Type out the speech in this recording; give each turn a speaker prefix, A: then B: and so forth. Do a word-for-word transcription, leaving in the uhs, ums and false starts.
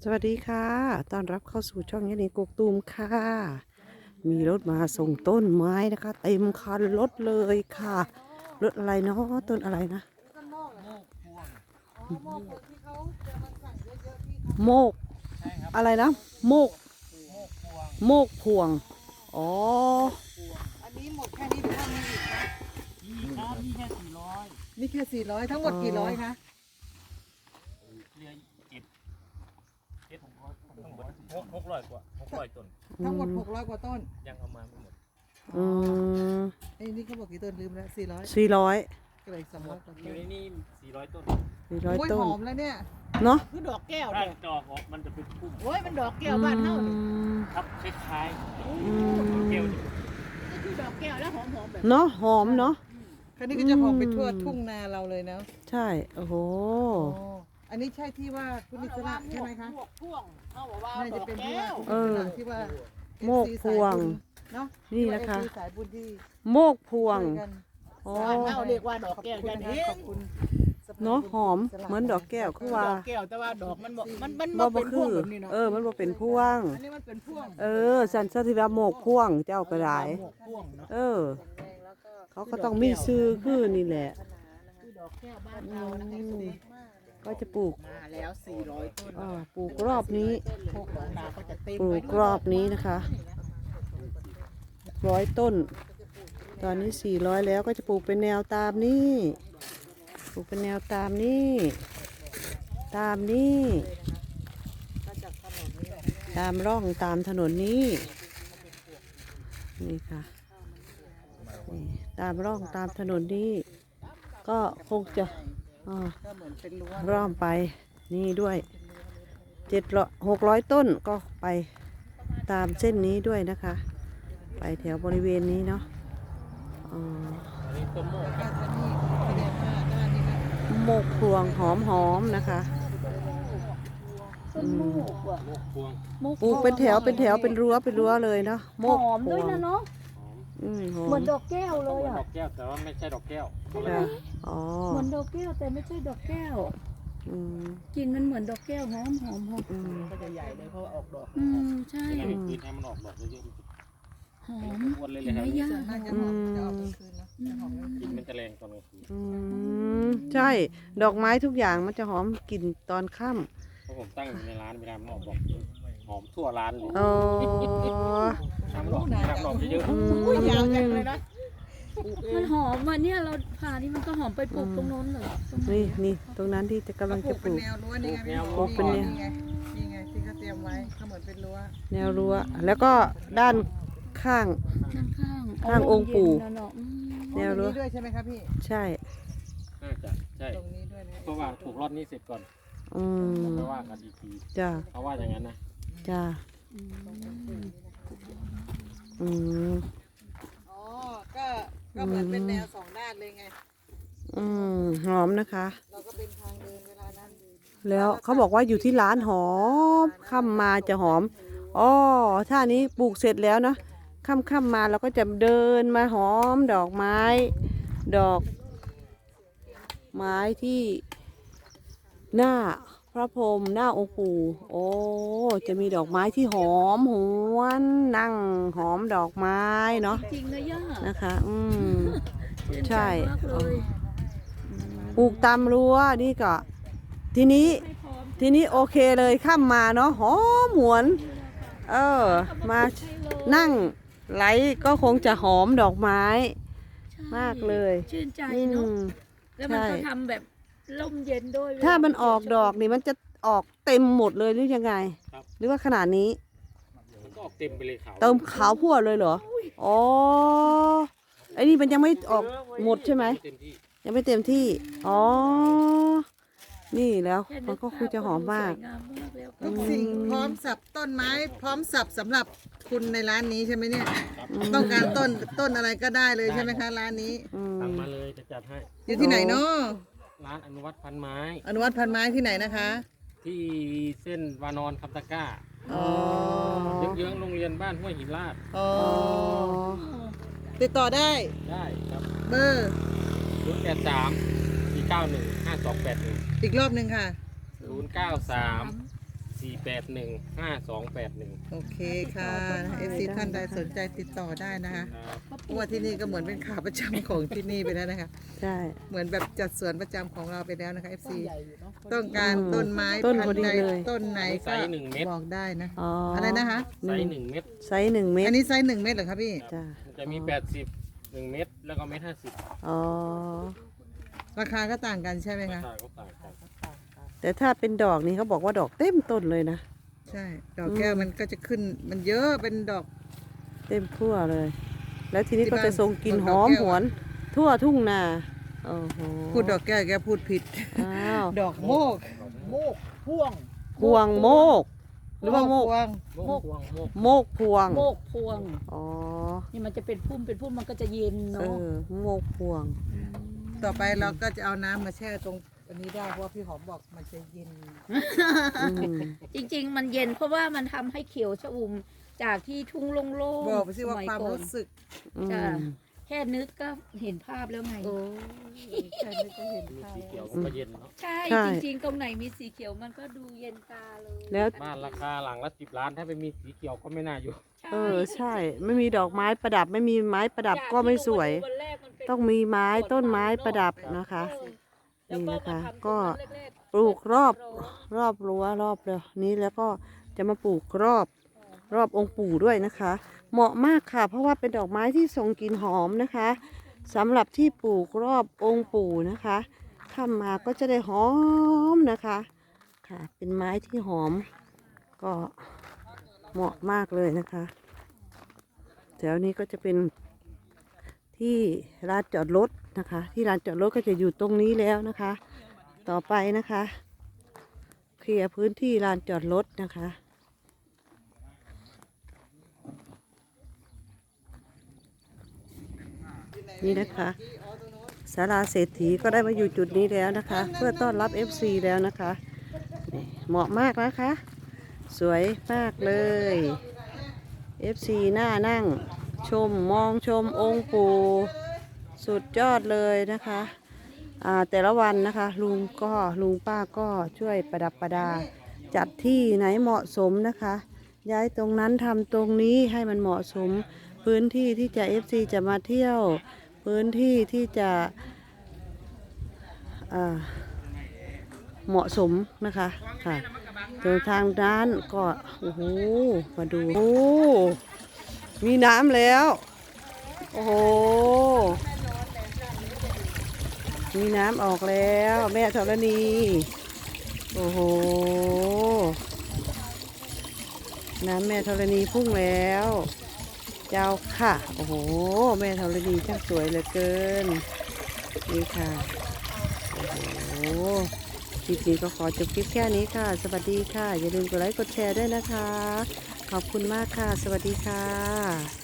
A: สวัสดีค่ะต้อนรับเข้าสู่ช่องยันนีกกตูมค่ะ มีรถมาส่งต้นไม้นะคะเต็มคันรถเลยค่ะ รถอะไรเนาะต้นอะไรนะ โมกอะไรนะ โมก โมกพวง อ๋อ
B: อันนี้หมดแค่นี้หรือว่ามีอีกนะ
C: นี่ครับนี่แค่สี่ร้อย
B: นี่แค่สี่ร้อยทั้งหมดกี่ร้อยคะ
C: เรือเจ็ดเจ็ดหกร้อยทั้งหมดหกหกร้อยกว่าหกร้อยต้น
B: ทั้งหมดหกร้อยกว่าต้น
C: ยังเอามาไม่หมด
A: อืม
B: ไอ้นี่เขาบอกกี่ต้นลืมแล้วสี่ร้อย
A: สี่ร้อย
B: ก็เลยสองร้อยกว่า
C: อ
B: ต้
C: ยู่
B: น
C: ในนี่สี่ร้อยต้น
A: สี่ร้อย
B: โอ้ย
A: ต้
B: ห
A: น
B: อมแล้วเนี่ย
A: เนาะ
D: คือดอกแก้ว
C: ถ้า
D: เนี่ย
C: จอกออกมันจะเป็นพุ่ม
D: โอ้ยมันดอกแก้วบ้านเฮานี่
C: ครับคล้าย
A: อืม
C: ๆแก้วนี่
D: ก็คือดอกแก้วแล้วหอมๆแบบ
A: เนาะหอมเนาะ
B: คันนี้ก็จะหอมไปทั่วทุ่งนาเราเลยนะ
A: ใช่ โอ้โห
B: โอ้อันนี้ใช่ที่ว่าคุณอิสระใช่ไหมคะ
D: พวกพ่วงเขาบอกว่า
B: น่า
D: ด
B: จะ
D: อก
B: เป็นที่
D: แก้
B: ว่าว คุณอิสระที่ว่า
A: โมกพวง
B: เนาะ
A: นี่นะคะ
B: ที่ว่า เอฟซี สายบุญที่
A: โมกพวง
B: ช่วยกัน
A: อ๋อ
D: บ้านเฮาเรียกว่าดอก
B: ขอบ
D: แก้ว
B: คุณ
D: จัน
B: นะ
D: เอ
B: คะข
D: ง
B: อบคุณสภ
A: เนาะหอม
B: สละ
A: เหมือนดอกแก้วคือว่า
D: ดอกแก้วแต่ว่าดอกมันบ่มันมัน
A: บ่
D: บ่
A: บ่
D: เป็นพ
A: คื
D: วง
A: อ
D: แบบนี้เนาะ
A: เออมันบ่เป็นพวง
D: อันนี้มันเป็นพวง
A: เออสันสถิราโมกพวงเจ้าก็ได้
D: หมวกพวงเนาะ
A: เออ
B: แรงแล้วก็
A: เขาก็ต้องมีซื้อคือนี่แหละ
D: คือดอกแก้วบ้านเรานะคะ
A: อืมก็จะปลูก
D: มาแล้วสี่ร้อยต้น
A: อ่าปลูกรอบนี้
D: พวกดอกนาก็จะเต็ม
A: ปลู
D: ไป
A: กรอบนี้นะคะร้อยต้น ตอนนี้สี่ร้อยแล้วก็จะปลูกเป็นแนวตามนี้ปลูกเป็นแนวตามนี้ตามนี้
B: มาจากถนนนี่
A: ตามร่องตามถนนนี้ นี่ค่ะนี่ตามร่องตามถนนนี้ ก็คงจะอ่า
B: ก็เหมือนเป็นรั้ว
A: ร่อมไปนี่ด้วยเจ็ดร้อยหกร้อยต้นก็ไปตามเส้นนี้ด้วยนะคะ ไปแถวบริเวณนี้เนาะอ๋อ
C: อันนี้ต้นโมก
B: ก็จะนี่แสดงว่าด้านนี้นะ
A: โมกพวงหอมหอมๆนะคะ
D: ต้นโมกว่ะ
C: โมกพวง
A: ปลูกเป็นแถวเป็นแถวเป็นรั้วเป็นรั้วเลยเนาะโมก
D: หอม
A: พ
D: ด้
A: ว
D: วย
A: ง
D: นะเนาะ
C: หอม
A: อืมหอ
D: เหมือ
A: ม
D: นดอกแก้วเลย
C: เหมือน
D: อ่ะ
C: ดอกแก้วแต่ว่าไม่ใช่ดอกแก้ว
A: จ้ะอ๋อ
D: เหมือนดอกแก้วแต่ไม่ใช่ดอกแก้ว
A: อืม
D: กลิ่นมันเหมือนดอกแก้วหอมหอมหอม
A: อืม
C: ก็จะใหญ่เลยเพราะว่าออกดอก
D: อืมใช่
C: เวลามีคืนให้มันออกดอกเยอะ
D: หอม
C: ๆอ้วนเลยเล
D: เห็
C: ย
D: น
C: ค
D: ไหม
C: รับ
D: ย่า
B: ส่วนมากจะหอมจะออกกลางคืนเนาะจะหอมกลาง
C: ก
B: คื
C: ลิ่น
B: น
C: มันจะแรงตอนกลางคืน
A: อืมใช่ ดอกไม้ทุกอย่างมันจะหอมกลิ่นตอนค่
C: เพราะผมตั้งอยู่ในร้านเวลามันออกดอกหอมทั่วร้านเลย
A: ำอ๋อ
C: น้ำดอกน้ำดอกเยอะ
A: อื
D: อุ้ยยาวจัง
A: ม
D: เลยนะมันหอมอ่ะเนี่ยเราผ่านี่มันก็หอมไปปลูกตรงโน้นเลยตรง
A: นี่นี่ตรงนั้นที่จะกำลัง
B: ปลู
A: จะ
B: ก
A: ป
B: เป็น
A: ลูก
B: แนวรั้วนี่ไงพี่
A: ปลูกเป็นแนว
B: นี่ไงนี่ไงที่เขาเตรียมไว้เขาเหมือนเป็นรั้ว
A: แนวรั้วแล้วก็ด้านข้าง
D: ข้างข้าง
A: ข้างองค์ปู่
D: เย็นๆเนาะอืม
A: แนวรั้ว
B: ตรงนี้ด้วยใช่ไหมครับพี่
A: ใช่
C: ๆน่าจะใช่
B: ตรงนี้ด้วยนะ
C: เพราะว่าถูกรอดนี้เสร็จก่อน
A: อืม
C: แล้วก็ว่ากันอีกที
A: จ้า
C: เขาว่าอย่างนั้นนะ
A: จ้า
D: อืม
A: อืม
B: อ๋อก็ก็เหมือนเป็นแนวสองด้านเลยไง
A: อืมหอมนะคะ
B: เราก็เป็นทางเดินเวลานั้น
A: แล้วเขาบอกว่าอยู่ที่ร้านหอมค่ำมาจะหอมอ๋อถ้านี้ปลูกเสร็จแล้วเนาะค่ำค่ำมาเราก็จะเดินมาหอมดอกไม้ ดอกไม้ที่หน้าพระพรหมหน้าองค์ปู่โอ้จะมีดอกไม้ที่หอมหวนนั่งหอมดอกไม้เนาะ
D: จริงนะย่า
A: นะคะอืม
D: ชื่น
A: ใช่
D: มากเลย
A: ปลูกตามรั้วนี่ก็ทีนี้
D: ให้พร้อม
A: ทีนี้โอเคเลยข้ามมาเนาะหอมหวน เออ มานั่งไหลก็คงจะหอมดอกไม้
D: ใช่
A: มากเลย
D: ชื่นใจ
A: อื
D: เนาะ
A: ม
D: แล้วมันก็
A: ใช่
D: ทำแบบร่มเย็นด้วย
A: ถ้ามันออกดอกนี่มันจะออกเต็มหมดเลยหรือยังไง หรือว่าขนาดนี้
C: มันก็ออกเต็มไปเลยเขา
A: เติมขาวพั่วเลยเหรออ๋อไอ้นี่มันยังไม่ออกหมดใช่ไหม
C: เต็มที่
A: ยังไม่เต็มที่อ๋อนี่แล้ว
D: แค่
A: มันก็คงจะหอมมาก
D: สวยงามมากแล้ว
B: ทุกสิ่งพร้อมสับต้นไม้ พร้อมสับสำหรับคุณในร้านนี้ใช่ไหมเนี่ย ต้องการต้นต้นอะไรก็ได้เลยใช่ไหมคะร้านนี้
A: อืม
C: สั่งมาเลยจะจัดให้
B: อยู่ที่ไหนเนาะ
C: ร้านอนุวัฒน์พันไม้
B: อนุวัฒน์พันไม้ที่ไหนนะคะ
C: ที่เส้นวานอนคำตะกร้า
B: อ๋อ
C: เยื้องๆโรงเรียนบ้านห้วยหินลาด
B: อ๋อ
A: อ๋อ
B: ติดต่อได้
C: ได้ครับ
B: เบอร์
C: ศูนย์แปดสามสี่เก้าหนึ่งห้าสองแปดหนึ่ง
B: อีกรอบหนึ่งค่ะ
C: ศูนย์เก้าสามสี่สี่แปดหนึ่งห้าสองแปดหนึ่ง
B: โอเคค่ะเอฟซีท่านใดสนใจติดต่อได้นะคะ
C: ครับ
B: เพราะว่าที่นี่ก็เหมือนเป็นขาประจำของที่นี่ไปแล้วนะคะ
A: ใช่
B: เหมือนแบบจัดสวนประจำของเราไปแล้วนะคะ เอฟ ซี ต้องการต้นไม้
A: ต้น
B: พั
A: พอน
B: ธุ์
A: ดี
B: ใด
A: เลย
B: ต้นไหน
C: ไซ
B: ก็
C: ส์หนึ่งเม็ด
B: บอกได้นะ
A: อ๋ออ
B: อะไรนะคะ
C: ไซส์หนึ่งเม็ด
A: ไซส์หนึ่งเมต
B: อั
A: ร
B: นนี้ไซส์หนึ่งเมตรเหรอคะพี่
A: จ้ะ
C: มันจะมีแปดสิบหนึ่งเม็ดแล้วก็เม็ดห้าสิบ
A: อ๋อ
B: ราคาก็ต่างกันใช่ไหม
C: รา
B: คะ
C: คาก็ต่างกัน
A: แต่ถ้าเป็นดอกนี่เขาบอกว่าดอกเต็มต้นเลยนะ
B: ใช่ ดอกแก้วมันก็จะขึ้นมันเยอะเป็นดอก
A: เต็มทั่วเลย แล้วทีนี้
B: ที่
A: ก็
B: บ้าน
A: จะทรงกลิ่น
B: ด
A: ห
B: อก
A: อม
B: แก้ว
A: หวน ทั่วทุ่งนาโอ้โห
B: พูดดอกแก้วแกพูดผิด
A: อ้าว
B: ดอกโมก
E: โมกพ่วง
A: พวงโมก หรือว่าโมก
B: พวง
C: โมกพวงโมก
A: โมกพวง
D: โมกพวง
A: อ๋อ
D: นี่มันจะเป็นพุ่มเป็นพุ่มมันก็จะเย็น
A: เอ
D: เนาะ
A: อโมกพวง
B: ต่อไปเราก็จะเอาน้ำมาแช่ตรงอันนี้ได้เพราะว่าพี่หอมบอกมันจะเย็น
A: อืม
D: จริง ๆ มันเย็นเพราะว่ามันทำให้เขียวชอุ่มจากที่ทุ่งโล่งๆ
B: บอกไปสิว่า
D: สย
B: ความ
D: ก่อน
B: รู้สึก
D: จ้ะแค่นึกก็เห็นภาพแล้วไง
B: โอ้ใช่ไม่ก็เห็น
C: มี
B: ภาพ
C: สีเขียวก็เย็นเนาะ
D: ใช่
A: ใช่
D: จริง ๆ ตรงไหนมีสีเขียวมันก็ดูเย็นตาเลย
A: แล้ว
C: บ้านราคาหลังละสิบล้านถ้าไม่มีสีเขียวก็ไม่น่าอยู่
D: ใช่
A: เออใช่ ไม่มีดอกไม้ประดับ ไม่มีไม้ประดับก็ไม่สวย
D: จากที่ลงมาดูวันแรกมันเป็น
A: ต้องมีไม้ต้นไม้ประดับนะคะ
D: เออแล้ว
A: นี่
D: ก็
A: นะคะ
D: มาทำ
A: ก็
D: ตรงนั้นแรกๆ
A: ปลูกรอบรอบรั้วรอบเดียวนี้แล้วก็จะมาปลูกรอบรอบองค์ปู่ด้วยนะคะ เหมาะมากค่ะ เพราะว่าเป็นดอกไม้ที่ทรงกลิ่นหอมนะคะสำหรับที่ปลูกรอบองค์ปู่นะคะทำมาก็จะได้หอมนะคะค่ะ เป็นไม้ที่หอม ก็เหมาะมากเลยนะคะแถวนี้ก็จะเป็นที่ลานจอดรถนะคะ ที่ลานจอดรถก็จะอยู่ตรงนี้แล้วนะคะ ต่อไปนะคะเคลียร์พื้นที่ลานจอดรถนะคะ นี่นะคะศาลาเศรษฐีก็ได้มาอยู่จุดนี้แล้วนะคะ เพื่อต้อนรับ เอฟ ซี แล้วนะคะนี่เหมาะมากนะคะ สวยมากเลย เอฟ ซี หน้านั่งชมมองชมองค์ปู่สุดยอดเลยนะคะอ่าแต่ละวันนะคะลุงก็ลุงป้าก็ช่วยประดับประดา จัดที่ไหนเหมาะสมนะคะ ย้ายตรงนั้นทำตรงนี้ให้มันเหมาะสม พื้นที่ที่จะ เอฟ ซี จะมาเที่ยว พื้นที่ที่จะอ่าเหมาะสมนะคะค่ะตรงทางด้านก็โอ้โหมาดูโอ้มีน้ำแล้ว โอ้โหมีน้ำออกแล้ว แม่ธรณีโอ้โหน้ำแม่ธรณีพุ่งแล้ว เจ้าค่ะ โอ้โห แม่ธรณีช่างสวยเหลือเกิน นี่ค่ะ โอ้โหคลิปนี้ก็ขอจบคลิปแค่นี้ค่ะ สวัสดีค่ะ อย่าลืมกดไลค์กดแชร์ด้วยนะคะ ขอบคุณมากค่ะ สวัสดีค่ะ